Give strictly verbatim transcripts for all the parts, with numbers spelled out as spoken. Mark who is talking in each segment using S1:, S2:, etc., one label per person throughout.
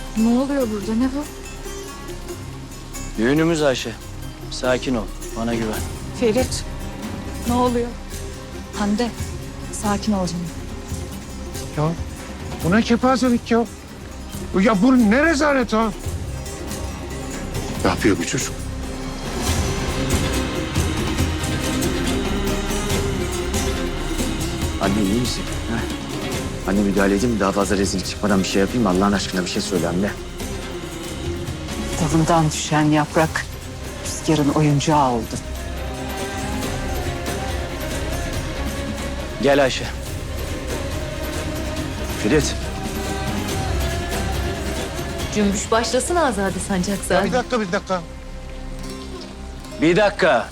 S1: Ne oluyor burada? Ne bu?
S2: Düğünümüz Ayşe. Sakin ol. Bana güven.
S1: Ferit. Ne oluyor? Hande. Sakin ol canım.
S3: Ya bu ne kepazelik ya? Ya bu ne rezalet ha? Ne yapıyor bu çocuk?
S4: Anne iyi misin? Ha? Anne müdahale edeyim mi? Daha fazla rezillik çıkmadan bir şey yapayım mı? Allah'ın aşkına bir şey söyle anne.
S5: Dalından düşen yaprak rüzgarın oyuncağı oldu.
S2: Gel Ayşe.
S4: Ferit.
S6: Cümbüş başlasın Azade
S3: Ya
S6: Sancakzade.
S3: bir dakika bir dakika.
S2: Bir dakika.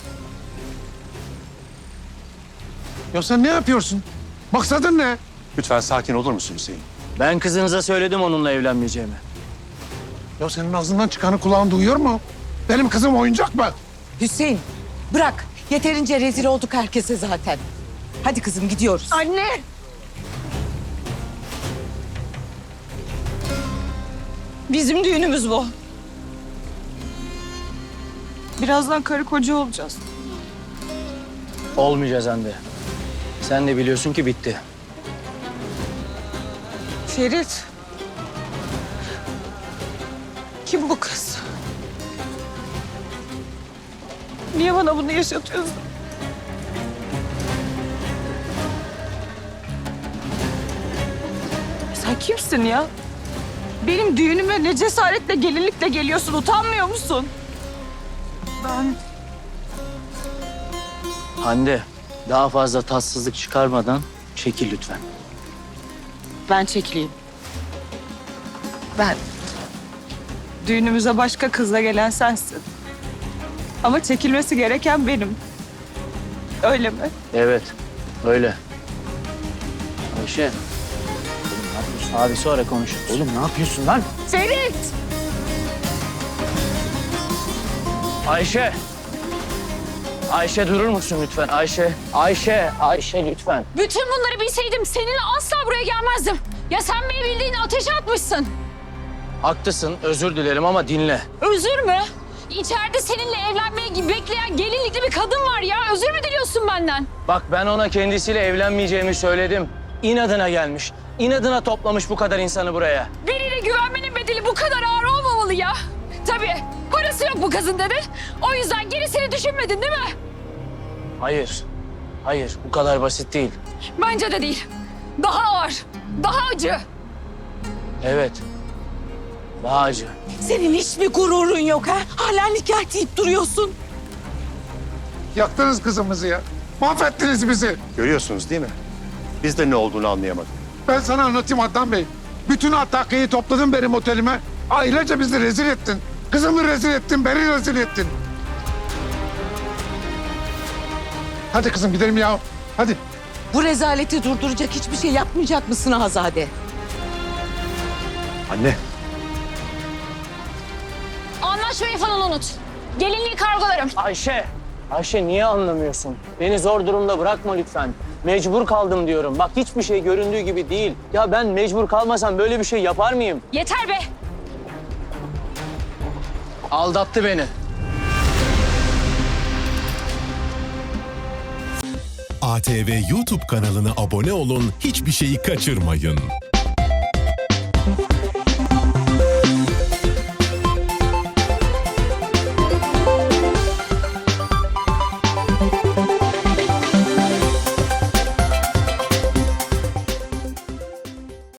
S3: Ya sen ne yapıyorsun? Maksadın ne?
S7: Lütfen sakin olur musun Hüseyin?
S2: Ben kızınıza söyledim onunla evlenmeyeceğimi.
S3: Ya senin ağzından çıkanı kulağın duyuyor mu? Benim kızım oyuncak mı?
S5: Hüseyin bırak. Yeterince rezil olduk herkese zaten. Hadi kızım gidiyoruz.
S1: Anne! Bizim düğünümüz bu. Birazdan karı koca olacağız.
S2: Olmayacağız Hande. Sen de biliyorsun ki bitti.
S1: Ferit. Kim bu kız? Niye bana bunu yaşatıyorsun? Sen kimsin ya? Benim düğünüme ne cesaretle gelinlikle geliyorsun, utanmıyor musun? Ben...
S2: Hande, daha fazla tatsızlık çıkarmadan çekil lütfen.
S1: Ben çekileyim. Ben. Düğünümüze başka kızla gelen sensin. Ama çekilmesi gereken benim. Öyle mi?
S2: Evet, öyle. Ayşe. Oğlum ne yapıyorsun? Abi sonra konuşuruz.
S4: Oğlum ne yapıyorsun lan?
S1: Ferit!
S2: Ayşe. Ayşe durur musun lütfen? Ayşe. Ayşe. Ayşe lütfen.
S8: Bütün bunları bilseydim seninle asla buraya gelmezdim. Ya sen beni bildiğin ateşe atmışsın.
S2: Haklısın, özür dilerim ama dinle.
S8: Özür mü? İçeride seninle evlenmeyi gibi bekleyen gelinlikli bir kadın var ya. Özür mü diliyorsun benden?
S2: Bak ben ona kendisiyle evlenmeyeceğimi söyledim. İnadına gelmiş. İnadına toplamış bu kadar insanı buraya.
S8: Birine güvenmenin bedeli bu kadar ağır olmamalı ya. Tabii parası yok bu kızın dedin. O yüzden gerisini düşünmedin değil mi?
S2: Hayır. Hayır, bu kadar basit değil.
S8: Bence de değil. Daha ağır, daha acı.
S2: Evet. Daha acı.
S5: Senin hiç mi gururun yok ha? Hala nikah deyip duruyorsun.
S3: Yaktınız kızımızı ya. Mahvettiniz bizi.
S7: Görüyorsunuz değil mi? Biz de ne olduğunu anlayamadık.
S3: Ben sana anlatayım Adnan Bey. Bütün Ataklı'yı topladın benim otelime. Ailece bizi rezil ettin. Kızımı rezil ettin, beni rezil ettin. Hadi kızım gidelim ya. Hadi.
S5: Bu rezaleti durduracak hiçbir şey yapmayacak mısın Azade?
S4: Anne.
S8: Anlaşmayı falan unut. Gelinliği kargolarım.
S2: Ayşe. Ayşe niye anlamıyorsun? Beni zor durumda bırakma lütfen. Mecbur kaldım diyorum. Bak hiçbir şey göründüğü gibi değil. Ya ben mecbur kalmasam böyle bir şey yapar mıyım?
S8: Yeter be.
S2: Aldattı beni.
S9: A T V YouTube kanalına abone olun, hiçbir şeyi kaçırmayın.